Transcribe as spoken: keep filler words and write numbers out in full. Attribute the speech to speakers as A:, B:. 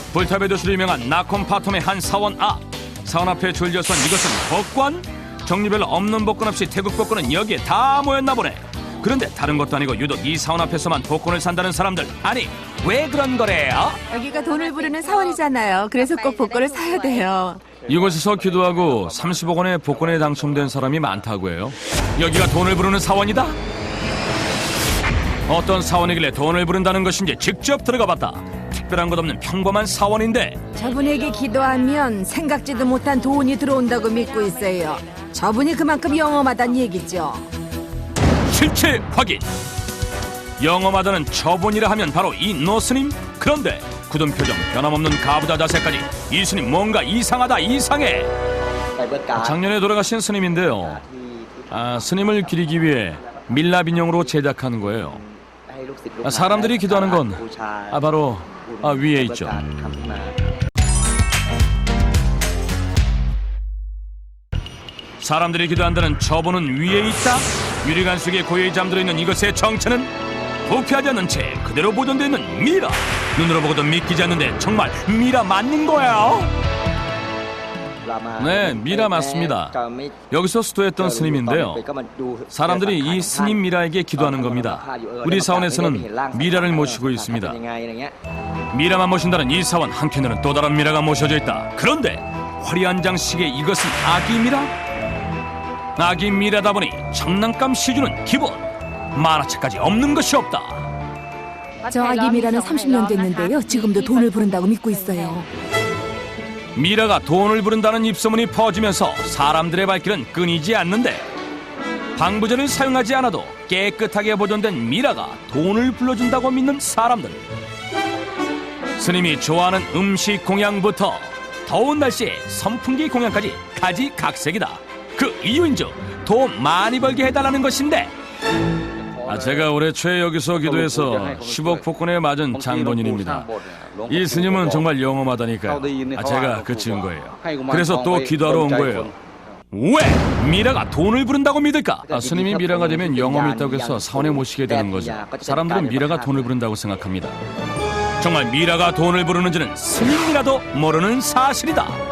A: 불탑의 도시로 유명한 나콤파톰의 한 사원 앞. 사원 앞에 줄져선 이것은 복권? 종류별로 없는 복권 없이 태국 복권은 여기에 다 모였나 보네. 그런데 다른 것도 아니고 유독 이 사원 앞에서만 복권을 산다는 사람들. 아니 왜 그런 거래요?
B: 여기가 돈을 부르는 사원이잖아요. 그래서 꼭 복권을 사야 돼요.
A: 이곳에서 기도하고 삼십억 원의 복권에 당첨된 사람이 많다고 해요. 여기가 돈을 부르는 사원이다? 어떤 사원이길래 돈을 부른다는 것인지 직접 들어가 봤다. 특별한 것 없는 평범한 사원인데
B: 저분에게 기도하면 생각지도 못한 돈이 들어온다고 믿고 있어요. 저분이 그만큼 영험하다는 얘기죠.
A: 실체 확인. 영험하다는 저분이라 하면 바로 이 노스님. 그런데 굳은 표정, 변함없는 가부좌 자세까지 이 스님 뭔가 이상하다 이상해. 작년에 돌아가신 스님인데요. 아, 스님을 기리기 위해 밀랍 인형으로 제작하는 거예요. 아, 사람들이 기도하는 건 아, 바로 아, 위에 있죠. 사람들이 기도한다는 저분은 위에 있다? 유리관 속에 고요히 잠들어 있는 이것의 정체는 부패하지 않는 채 그대로 보존되어 있는 미라. 눈으로 보고도 믿기지 않는데 정말 미라 맞는 거야? 네, 미라 맞습니다. 여기서 수도했던 스님인데요. 사람들이 이 스님 미라에게 기도하는 겁니다. 우리 사원에서는 미라를 모시고 있습니다. 미라만 모신다는 이 사원 한켠에는 또 다른 미라가 모셔져 있다. 그런데 화려한 장식의 이것은 아기 미라? 아기 미라다 보니 장난감 시주는 기본, 만화책까지 없는 것이 없다.
B: 저 아기 미라는 삼십 년 됐는데요. 지금도 돈을 부른다고 믿고 있어요.
A: 미라가 돈을 부른다는 입소문이 퍼지면서 사람들의 발길은 끊이지 않는데 방부제를 사용하지 않아도 깨끗하게 보존된 미라가 돈을 불러준다고 믿는 사람들. 스님이 좋아하는 음식 공양부터 더운 날씨에 선풍기 공양까지 가지각색이다. 그 이유인즉 돈 많이 벌게 해달라는 것인데 아, 제가 올해 초에 여기서 기도해서 십억 복권에 맞은 장본인입니다. 이 스님은 정말 영험하다니까요. 아, 제가 그 지은 거예요. 그래서 또 기도하러 온 거예요. 왜 미라가 돈을 부른다고 믿을까? 아, 스님이 미라가 되면 영험이 있다고 해서 사원에 모시게 되는 거죠. 사람들은 미라가 돈을 부른다고 생각합니다. 정말 미라가 돈을 부르는지는 스님이라도 모르는 사실이다.